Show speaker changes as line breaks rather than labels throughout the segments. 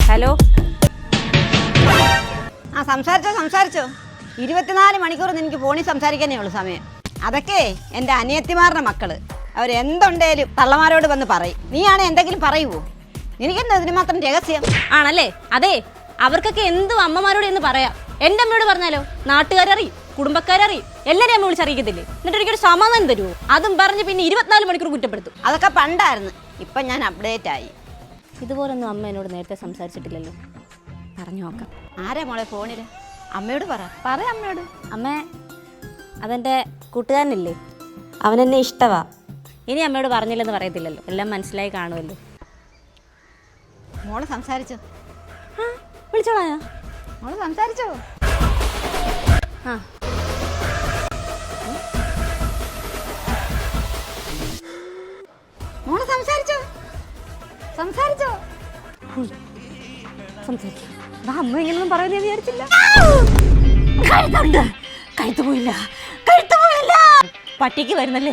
Hello.
ആ സംസാരിച്ചോ 24 മണിക്കൂർ എനിക്ക് ഫോണിൽ സംസാരിക്കാനേ ഉള്ളൂ സമയം. അതൊക്കെ എൻ്റെ അനിയത്തിമാരുടെ മക്കള് അവരെന്തുണ്ടേലും തള്ളമാരോട് വന്ന് പറയും. നീയാണെ എന്തെങ്കിലും പറയുവോ? എനിക്കെന്താ ഇതിന് മാത്രം രഹസ്യം
ആണല്ലേ? അതെ, അവർക്കൊക്കെ എന്തും അമ്മമാരോട് എന്ന് പറയാം. എൻ്റെ അമ്മയോട് പറഞ്ഞാലോ നാട്ടുകാരറിയും, കുടുംബക്കാരറിയും, എല്ലാവരും അമ്മ വിളിച്ചറിയിക്കത്തില്ലേ? എന്നിട്ട് എനിക്കൊരു സമാധാനം തരുമോ? അതും പറഞ്ഞ് പിന്നെ 24 മണിക്കൂർ കുറ്റപ്പെടുത്തും.
അതൊക്കെ പണ്ടായിരുന്നു, ഇപ്പം ഞാൻ അപ്ഡേറ്റ് ആയി.
ഇതുപോലൊന്നും അമ്മ എന്നോട് നേരത്തെ സംസാരിച്ചിട്ടില്ലല്ലോ. പറഞ്ഞു നോക്കാം.
ആരാ മോളെ ഫോണിൽ? അമ്മയോട് പറ അമ്മയോട്.
അമ്മേ, അതെൻ്റെ കൂട്ടുകാരനില്ലേ, അവനെന്നെ ഇഷ്ടവാ. ഇനി അമ്മയോട് പറഞ്ഞില്ലെന്ന് പറയത്തില്ലല്ലോ, എല്ലാം മനസ്സിലായി കാണുമല്ലോ.
മോള് സംസാരിച്ചോ?
വിളിച്ചോളാ.
മോള് സംസാരിച്ചോ?
ആ
മോള് സംസാരിച്ചോ?
സംസാരിക്കാം. അമ്മ ഇങ്ങനൊന്നും പറയുന്നത് വിചാരിച്ചില്ല. കഴുത്ത് പോയില്ല. പട്ടിക്ക് വരുന്നല്ലേ.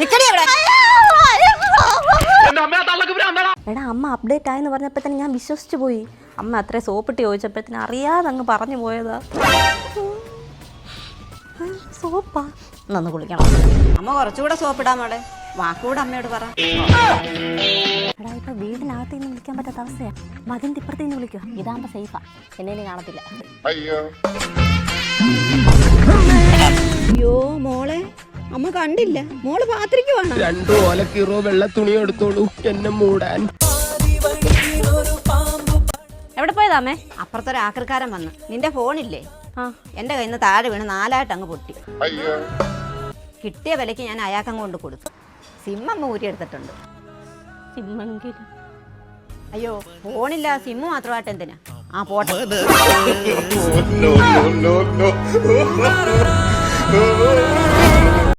എടാ, അമ്മ അപ്ഡേറ്റ് ആയെന്ന് പറഞ്ഞപ്പോഴത്തേന് ഞാൻ വിശ്വസിച്ചു പോയി. അമ്മ അത്ര സോപ്പിട്ട് ചോദിച്ചപ്പോഴത്തേന് അറിയാതെ അങ്ങ് പറഞ്ഞു പോയതാ. സോപ്പാ? നന്ന് കുളിക്കണം.
അമ്മ കുറച്ചുകൂടെ സോപ്പിടാൻ മോളെ. വാക്കുകൂടെ അമ്മയോട് പറ.
എടാ, ഇപ്പൊ വീടിനകത്ത് നിന്ന് വിളിക്കാൻ പറ്റാത്ത അവസ്ഥയാ. മതിന്റെ ഇപ്പുറത്തേന്ന് വിളിക്കുക. ഇതാകുമ്പോ സേഫാ, എന്നെ കാണത്തില്ല.
അയ്യോ മോളെ, അമ്മ കണ്ടില്ല. മോള് പാത്രിക്കുവാണ്.
2 ഓലക്കീറോ വെള്ള തുണി എടുത്തോളൂ എന്നെ മൂടാൻ.
എവിടെ പോയതാമേ?
അപ്പുറത്തൊരു ആക്രിക്കാരൻ വന്ന് നിന്റെ ഫോണില്ലേ,
ആ,
എൻ്റെ കയ്യിൽ നിന്ന് താഴെ വീണ് 4 അങ്ങ് പൊട്ടി. കിട്ടിയ വിലയ്ക്ക് ഞാൻ അയാൾക്കങ്ങ് കൊണ്ട് കൊടുത്തു. സിം അമ്മ ഊരിയെടുത്തിട്ടുണ്ട്.
സിമ്മെങ്കിലും.
അയ്യോ, ഫോണില്ല, സിമ്മ് മാത്രമായിട്ട് എന്തിനാ? ആ പോട്ടെ.
No.